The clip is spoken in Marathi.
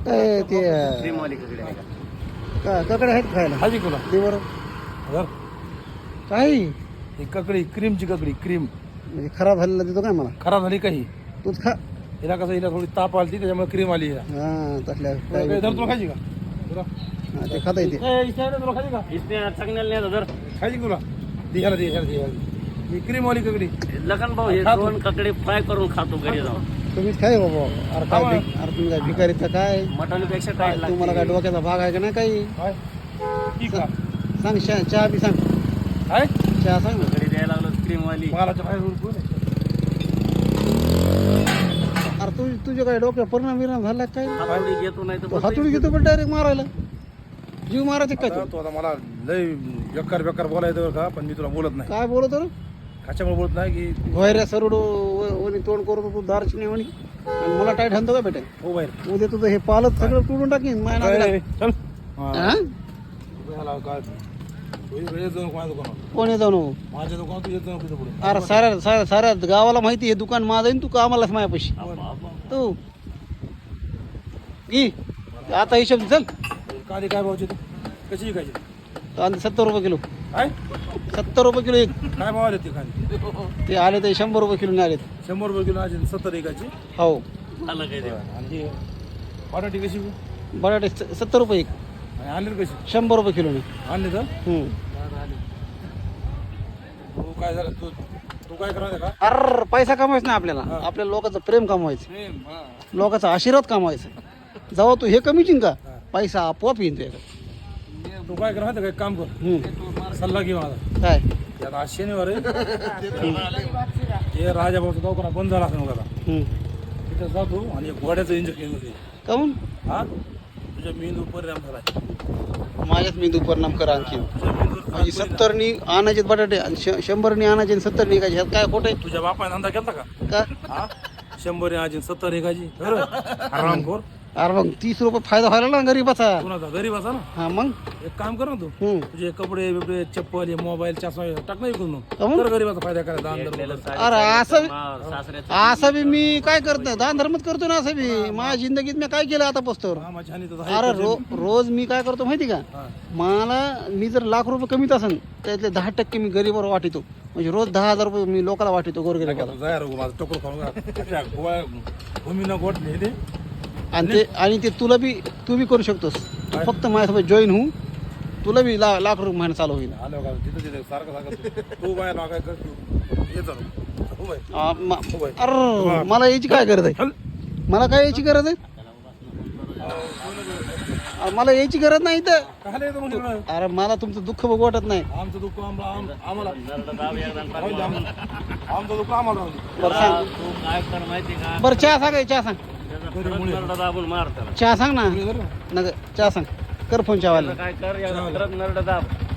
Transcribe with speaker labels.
Speaker 1: काय ते
Speaker 2: क्रीमवाली ककडे आहे का?
Speaker 1: ककडे आहेत खायला
Speaker 3: हाजी तुला
Speaker 1: दे बरं
Speaker 3: घर
Speaker 1: काही
Speaker 3: ही ककडी क्रीमची ककडी क्रीम
Speaker 1: म्हणजे खराब झालेला देतो काय मला
Speaker 3: खराब झाली काही
Speaker 1: तूच खा
Speaker 3: हिला कसं हिला थोडी ताप आली त्याच्यामुळे क्रीम आली हिला.
Speaker 1: हा तसल्या
Speaker 3: तुला काही धर तुला खायची का तुला
Speaker 1: हा, ते खाता येते
Speaker 3: तुला खायची का
Speaker 2: इसने चांगल्याला नाही जर
Speaker 3: खायची का तुला दे ह्याला दे ह्याला दे ह्याला ही क्रीमवाली ककडी
Speaker 2: लखन भाऊ हे
Speaker 3: खातो.
Speaker 2: दोन ककडे फ्राय करून खातो घरी जाऊन.
Speaker 1: तुम्हीच खाय बाबा अरे काय अरे तुम्ही काय भिकारीचा काय
Speaker 2: मटणपेक्षा काय
Speaker 1: तुम्हाला काय डोक्याचा भाग आहे का नाही काही
Speaker 3: काय ठीक का
Speaker 1: सांग चहा बी सांग
Speaker 3: काय
Speaker 1: चहा सांग ना
Speaker 2: घरी द्यायला लागलो क्रीमवाली.
Speaker 3: मालाच्या बाहेर कोण आहे?
Speaker 1: अरे तुझ्या काय डोक्यात परिणाम विराम झाला काय
Speaker 2: हातोडी घेतो नाही
Speaker 1: तो
Speaker 2: तर
Speaker 1: हातोडी घेतो पण डायरेक्ट मारायला जीव मारायचे काय
Speaker 3: आता तू आता मला लय बेकार बेकार बोलायचं बरं का पण मी तुला बोलत नाही
Speaker 1: काय बोलतो रे
Speaker 3: कशामुळे बोलत नाही की
Speaker 1: व्हायऱ्या सरुड ओनी तोंड करतो तू दारची म्हणी आणि मला टाईट हाणतो का बेटा
Speaker 3: हो बाहेर
Speaker 1: उद्या तुझं हे पालत सगळं तोडून टाकीन माया नावाला.
Speaker 3: चल
Speaker 1: हा?
Speaker 3: ह्याला काय तू इकडे जाऊन कोणा दुकानावर
Speaker 1: कोण येतो नो
Speaker 3: माझ्या दुकानात तू येत जाऊ तिथं पुढे
Speaker 1: अरे साऱ्या गावाला माहिती हे दुकान माझं आहे न तू कामालाच मायापाशी तू घे आता हिशोब चल
Speaker 3: काली काय भावची तू कशी विकायची
Speaker 1: कांदे 70 रुपये किलो
Speaker 3: काय
Speaker 1: 70 रुपये किलो एक
Speaker 3: काय भाव आले ते खाली
Speaker 1: ते आले ते 100 रुपये किलो नाही आले
Speaker 3: 100 रुपये किलो आज 70 विकायची
Speaker 1: हो
Speaker 2: झालं काय ते.
Speaker 3: आणि ही बटाटी कशी
Speaker 1: बटाटे 70 रुपये एक
Speaker 3: आणि आणली कशी
Speaker 1: 100 रुपये किलो
Speaker 3: आणली तर
Speaker 1: नाही
Speaker 3: तू काय झालं तू काय करायचं का
Speaker 1: अरे पैसा कमवायचा नाही आपल्याला आपल्या लोकांचं प्रेम कमवायचं लोकांचा आशीर्वाद कमवायचा जेव्हा तू हे कमीची का पैसा आपोआप येईन तुझ्याकडे
Speaker 3: तू काय करायचं काय काम कर सल्ला घे माझा
Speaker 1: काय
Speaker 3: त्याला आज शनिवार आहे हे राजाभाऊचा दवाखाना बंद झाला असं बघा तिथं जातो आणि एक घोड्याचं इंजेक्शन होते
Speaker 1: काहून
Speaker 3: हा तुझ्या मेंदू परिणाम झाला
Speaker 1: माझ्याच मेंदू परिणाम करा आणखी
Speaker 3: तुझ्या मेंदूवर
Speaker 1: म्हणजे 70नी आणायचे बटाटे आणि 100नी आणायचे आणि 70 निघायचे ह्यात काय खोटं
Speaker 3: तुझ्या बापाने धंदा केला का
Speaker 1: आहे का
Speaker 3: हा 100 आजी 70 एकाची आराम कर
Speaker 1: अरे मग 30 रुपये फायदा व्हायला ना गरीबाचा
Speaker 3: कुणाचा गरीब असा ना
Speaker 1: हा मग
Speaker 3: एक काम कर ना तू
Speaker 1: हम्म.
Speaker 3: तुझे कपडे बिपडे चप्पल हे मोबाईल चष्मा टाक नाही करून
Speaker 1: काहून?
Speaker 3: तर गरीबाचा फायदा करायचा दान
Speaker 2: भेटलेलं
Speaker 3: धर्म.
Speaker 2: साडी-
Speaker 1: अरे असं
Speaker 2: मावर, सासऱ्याचं
Speaker 1: असं बी मी काय करत नाही दान धर्मच करतो ना असं बी माझ्या जिंदगीत मी काय केलं आता पोस्टवर
Speaker 3: हा, माझ्या हानी तर
Speaker 1: अरे रोज मी काय करतो माहिती का
Speaker 3: हा.
Speaker 1: मला मी जर लाख रुपये कमीत असेल त्यातले 10% मी गरीबावर वाटितो म्हणजे रोज 10,000 रुपये मी लोकांना वाटितो गोरगरीबाला
Speaker 3: तू जाय रे, माझं टोकर खाऊन का भूमीनं गोट नेले
Speaker 1: आणि ते तुला बी तू बी करू शकतोस तू फक्त माझ्यासोबत जॉईन होऊ तुला बी लाख रुपये महिना चालू होईल
Speaker 3: आलो का तिथं तिथे सारखं सारखं तू बाहेर काय कर तू ये चालू हो बाय
Speaker 1: अरे मला याची काय गरज आहे
Speaker 3: चल
Speaker 1: मला काय याची गरज आहे मला याची गरज नाही तर
Speaker 3: काय येतो म्हणजे तुला?
Speaker 1: अरे मला तुमचं दुःख बघू वाटत नाही
Speaker 3: आमचं दुःख आम्हाला
Speaker 2: नरडं दाब एकदा आणि
Speaker 3: राहू दे, आमचं दुःख आम्हाला राहू दे.
Speaker 1: बरं सांग
Speaker 2: तू काय कर माहिती का
Speaker 1: बरं चहा सांग चहा सांग
Speaker 2: त्याचा खरंच नरडं दाबून मार त्याला.
Speaker 1: चहा सांग ना
Speaker 3: हे धर ना.
Speaker 1: नग चहा सांग कर फोन चहावाला
Speaker 2: काय कर एकदा खरंच नरडं दाब